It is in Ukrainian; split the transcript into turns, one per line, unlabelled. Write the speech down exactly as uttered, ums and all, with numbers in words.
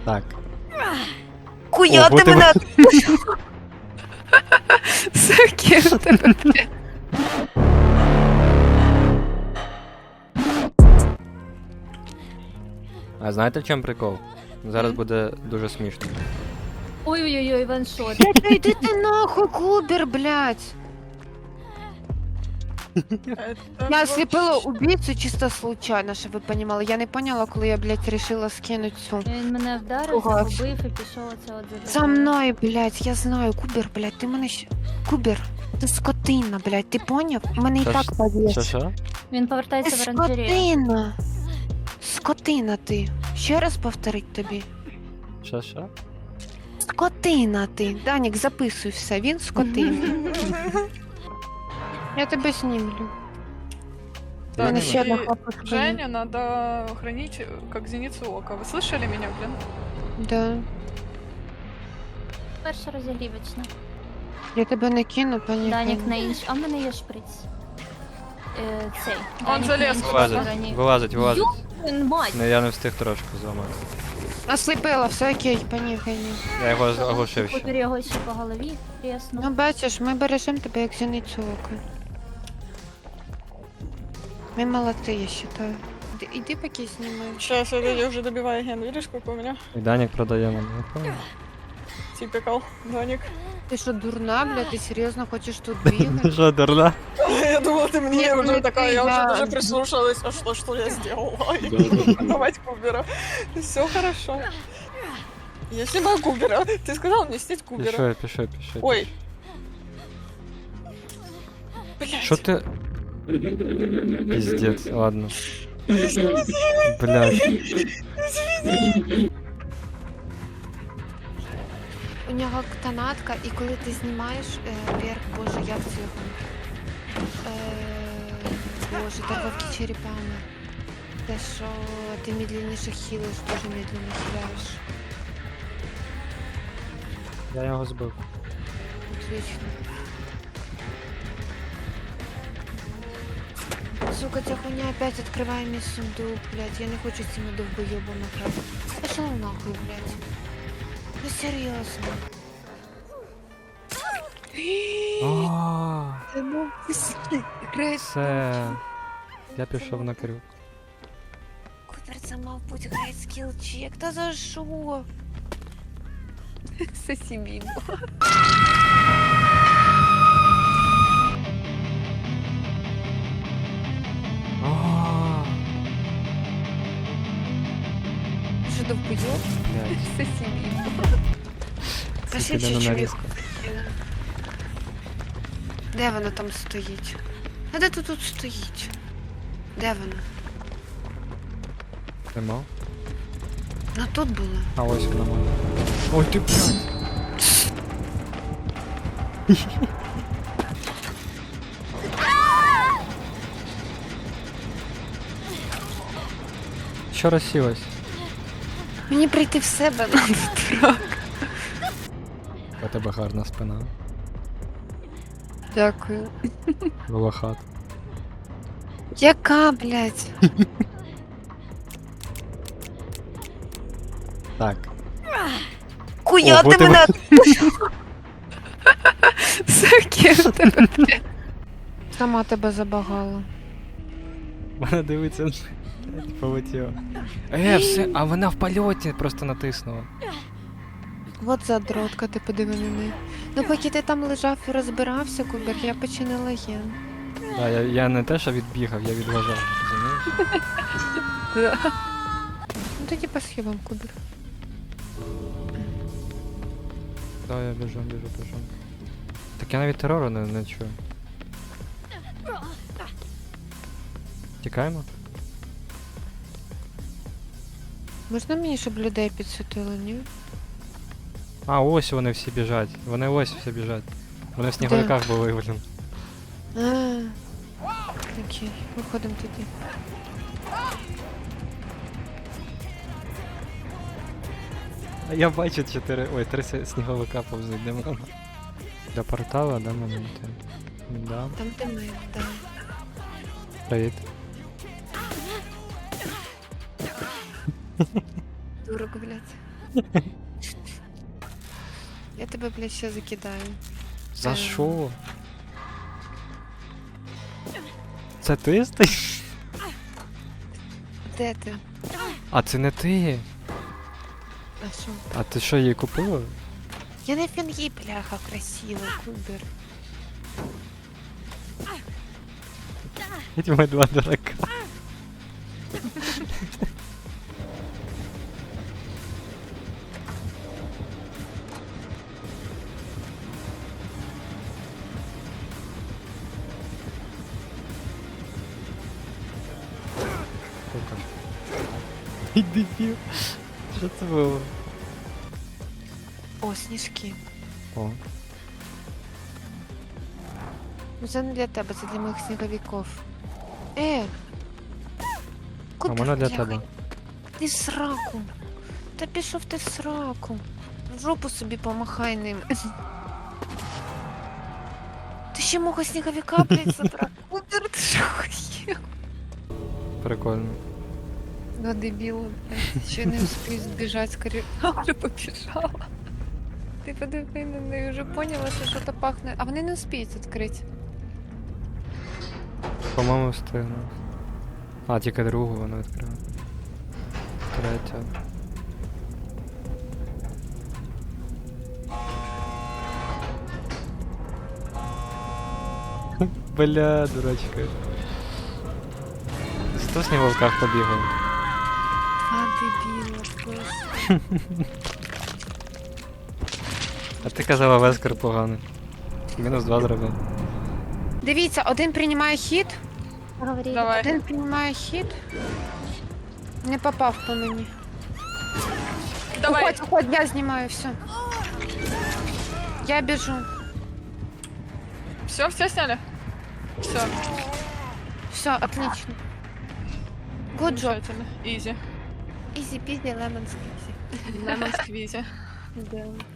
Так.
Хуя
Ого,
ти
ти
мене... Сакі, в тебе, блядь.
А знаєте в чому прикол? Зараз буде дуже смішно.
Ой-ой-ой, ваншот.
Блядь, та йди ти нахуй, Кубер, блядь. Я ослепила убийцу чисто случайно, щоб ви понімали. Я не поняла, коли я, блядь, решила скинуть цю.
Він мене вдарив,
Пугався.
загубив і пішов оце от за
За мною, блядь, я знаю, Кубер, блядь, ти мене ще... Кубер, ти скотина, блядь, ти поняв? Мене і
Що
так
ж-
повіс.
Що що?
Він
Ти
повертається в оранжерею.
скотина. Скотина ти. Ще раз повторить тобі.
Що що?
Скотина ти. Данік, записуй все, він скотина. Я тебе знімлю. У мене ще одна
И
хлопушка. є.
Женя надо хранить как зеницу ока. Вы слышали меня, блин?
Да.
Перша розігрівочна.
Я тебе не кину, пані.
Данік
Ганя.
на інш. А в мене є шприц. Е, цей.
Он
Данік
залез
на іншій
Вилазить,
стороні.
вилазить, вилазить.
Блін, мать!
Не, я не встиг трошки зламати.
Осліпила, все окей, пані Гані.
Я його оглушив ще.
Купер його ще по голові тряснув.
Ну бачиш, ми бережемо тебе як зіницю ока. Ми молодці, я вважаю. Іди, іди поки знімай.
Сейчас, я уже добиваю ген. Видишь, сколько у меня?
І Данік продає нам. Не понял.
Типикал, Даник.
Ти що, дурна, блядь, ти серйозно хочеш тут бігати?
Що, дурна?
Я думала, ты мне
Нет,
уже
ну
такая,
ты,
я уже
да.
даже прислушалась, а что, что я сделала? Давать Кубера. Все хорошо. Я снимаю Кубера. Ты сказал мне снять Кубера.
Пішов, пішов, пішов.
Ой. Блять.
Що ти? Пиздец, ладно. Блядь.
У нього тонатка, і коли ти знімаєш е, вверх, боже, як це його? Е, боже, торговки черепами. Те, що ти медленніше хілиш, дуже медленно хиляєш.
Я його збив.
Отлично. Сука, ця хуйня опять відкриває мій сундук, блядь. Я не хочу з цими довбойобами грати. Пошла нахуй, блядь. Ну серйозно.
Ааа,
Це був секрет.
все. Я пішов на крюк.
Купер, це мав бути грейт скіл чек. Та за що? Сосібі.
Ааа,
Що довбойоб?
блядь.
Сосібі. Та ще
Піде на
чуть-чуть.
нарізку.
Де воно там стоїть? А де тут тут стоїть? Де воно?
Нема?
Ну тут було.
А ось вона моя. Ой, ти блядь. Що розсілась?
Мені прийти в себе надо трак.
У тебе гарна спина.
Дякую.
Волохат.
Яка, блядь?
Так.
Хуя
Ого,
ти
ти
мене... Сакі, в тебе, блядь. Сама тебе забагала.
Вона дивиться, блядь, полетіла. Е, все, а вона в польоті просто натиснула.
От задротка, ти подиви на неї. Ну поки ти там лежав і розбирався, Кубер, я починила ген.
А, я, я не те, що відбігав, я відважав. Розумієш?
Ну тоді по схемам, Кубер.
Да, я біжу, біжу, біжу. Так я навіть терору не, не чую. Тікаємо?
Можна мені, щоб людей підсвітили, ні?
А, ось вони всі біжать. Вони ось всі біжать. Вони в сніговиках були, блін.
А, окей, виходимо тоді.
А я бачу чотири. Ой, три сі- сніговика повзуть, де вона? Для портала, да, моменти? Да.
Там де ми, да.
Привіт.
Дурак, блядь. Я тебе, блядь, ще закидаю.
За
Ем.
що? Це ти стоїш?
Де ти?
А це не ти.
А що?
А ти що, її купила?
Я на фінгі, бляха, красиво, кубер.
Эти мои два дурака. Ай, дебіл. Що це було?
О, сніжки.
О,
Ну це не для тебе, це для моїх сніговиків. Е!
а
Куди,
вона для
бляха?
тебе.
Ти в сраку. Та пішов ти в сраку. В жопу собі помахай ним. Ти ще мого сніговика, блядь, забрав. Кубер, ти що хотів?
Прикольно.
Ну, дебіл, блядь, ще не встиг збіжати, скоріше. А, вже побіжала. Ти подиви на неї, вже поняла, що щось пахне. А вони не успіють відкрити.
По-моєму, встигну. А, тільки другу вона відкрила. Третя. Бля, дурачка. Сто с ним в волках побігав.
Два дебіла, просто.
А ти казала Вескер поганий. Мінус два зробив.
Дивіться, один приймає хід,
Говори.
Давай.
один приймає хід. Не попав по мені.
Давай.
Уходь, уходь, я знімаю, все. Я біжу.
Все, все сняли? Все.
Все, отлично. Good job.
Замечательно. Изи.
Easy peasy, lemon squeezy.
Лемон сквизи.
Да.